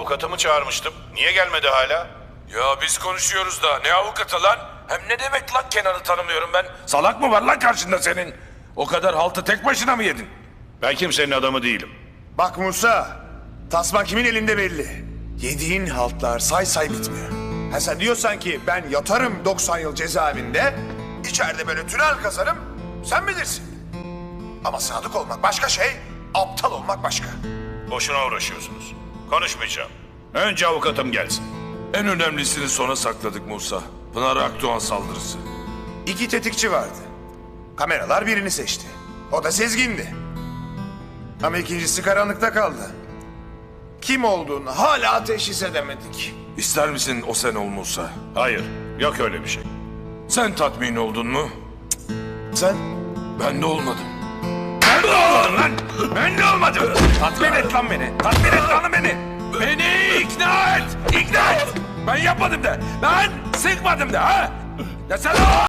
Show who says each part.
Speaker 1: Avukatımı çağırmıştım. Niye gelmedi hala?
Speaker 2: Ya biz konuşuyoruz da ne avukatı lan? Hem ne demek lan Kenan'ı tanımıyorum ben? Salak mı var lan karşında senin? O kadar haltı tek başına mı yedin?
Speaker 1: Ben kimsenin adamı değilim.
Speaker 3: Bak Musa, tasma kimin elinde belli. Yediğin haltlar say say bitmiyor. Ha sen diyorsan ki ben yatarım 90 yıl cezaevinde, içeride böyle tünel kazarım, sen bilirsin. Ama sadık olmak başka şey, aptal olmak başka.
Speaker 1: Boşuna uğraşıyorsunuz. Konuşmayacağım. Önce avukatım gelsin.
Speaker 2: En önemlisini sona sakladık Musa. Pınar Akdoğan saldırısı.
Speaker 3: 2 tetikçi vardı. Kameralar birini seçti. O da Sezgin'di. Ama ikincisi karanlıkta kaldı. Kim olduğunu hala teşhis edemedik.
Speaker 2: İster misin o sen ol Musa?
Speaker 1: Hayır, yok öyle bir şey.
Speaker 2: Sen tatmin oldun mu?
Speaker 3: Sen?
Speaker 2: Ben de olmadım. Ben de olmadım lan! Ben de olmadım! Tatmin et lan beni! Tatmin et lan beni! Beni ikna et! İkna et! Ben yapmadım de! Ben sıkmadım de ha! Ya sen